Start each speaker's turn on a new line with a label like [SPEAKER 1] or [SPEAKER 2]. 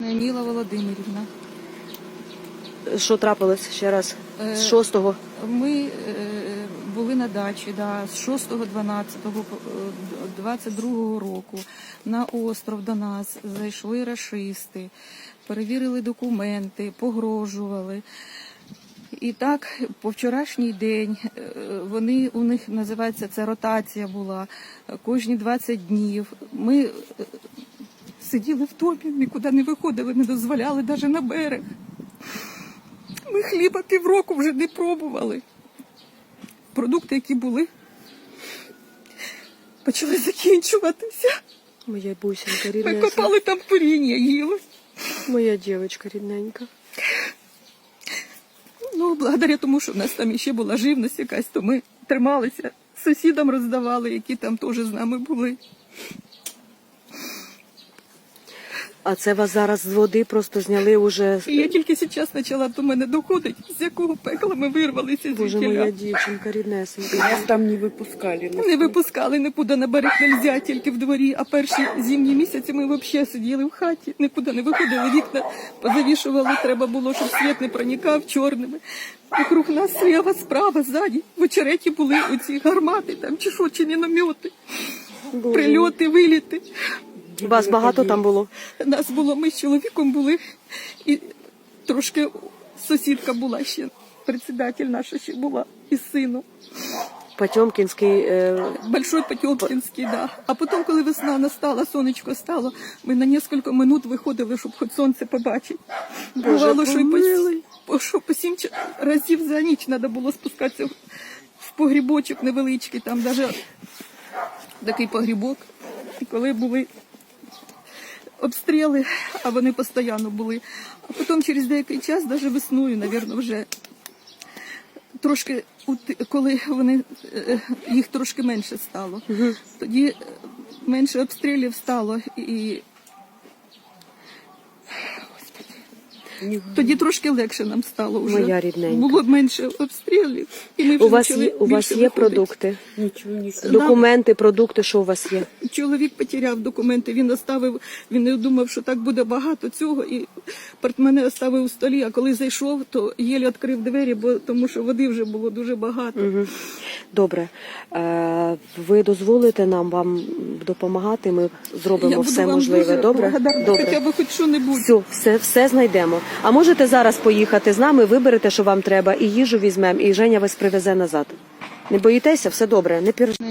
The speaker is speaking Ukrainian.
[SPEAKER 1] Міла Володимирівна.
[SPEAKER 2] Що трапилось ще раз? З 6-го?
[SPEAKER 1] Ми були на дачі, з 6.12.22 року. На остров до нас зайшли рашисти, перевірили документи, погрожували. І так, по вчорашній день, у них називається, це ротація була, кожні 20 днів. Ми сиділи в домі, нікуди не виходили, не дозволяли навіть на берег. Ми хліба півроку вже не пробували. Продукти, які були, почали закінчуватися.
[SPEAKER 2] Моя бусинка
[SPEAKER 1] Ми
[SPEAKER 2] рідненька.
[SPEAKER 1] копали там коріння, їли.
[SPEAKER 2] Моя дівчинка рідненька.
[SPEAKER 1] Ну, благодаря тому, що в нас там ще була живність якась, то ми трималися. Сусідам роздавали, які там теж з нами були.
[SPEAKER 2] А це вас зараз з води просто зняли уже...
[SPEAKER 1] І я тільки зараз почала до мене доходити, з якого пекла ми вирвалися
[SPEAKER 2] Боже,
[SPEAKER 1] звідкіля.
[SPEAKER 2] моя дівчинка ріднесенька.
[SPEAKER 3] Нас там не выпускали.
[SPEAKER 1] Не випускали нікуди на берег нельзя, тільки в дворі. А перші зимні місяці ми взагалі сиділи в хаті, нікуди не виходили, вікна позавішували, треба було, щоб світ не проникав чорними. Вокруг нас сліва, справа, ззаді, в очереті були оці гармати, там чи що, чи міномети, прильоти, виліти.
[SPEAKER 2] Вас багато там було?
[SPEAKER 1] Нас було, ми з чоловіком були, і трошки сусідка була ще, председатель наша ще була, із сином.
[SPEAKER 2] Потьомкінський...
[SPEAKER 1] Большой Потьомкінський, да. А потім, коли весна настала, сонечко стало, ми на кілька минут виходили, щоб хоч сонце побачити. Бувало, що по 7 разів за ніч треба було спускатися в погрібочок невеличкий, там навіть такий погрібок. І коли були обстріли, а вони постійно були. А потім через деякий час, навіть весною, мабуть, вже трошки, коли їх трошки менше стало, тоді менше обстрілів стало і тоді трошки легше нам стало вже.
[SPEAKER 2] Моя рідненька.
[SPEAKER 1] Було менше обстрілів. І ми вже
[SPEAKER 2] У вас є продукти?
[SPEAKER 3] Ничего не
[SPEAKER 2] Документи, продукти, що у вас є?
[SPEAKER 1] Чоловік потеряв документи, він оставив, він не думав, що так буде багато цього, і портмоне оставив у столі, а коли зайшов, то єлі відкрив двері, тому що води вже було дуже багато.
[SPEAKER 2] Добре. Ви дозволите нам вам допомагати, ми зробимо все можливе, добре?
[SPEAKER 1] Хоча б хоч що-небудь.
[SPEAKER 2] Все знайдемо. А можете зараз поїхати з нами, виберете, що вам треба, і їжу візьмемо, і Женя вас привезе назад. Не боїтеся? Все добре, не переживайте.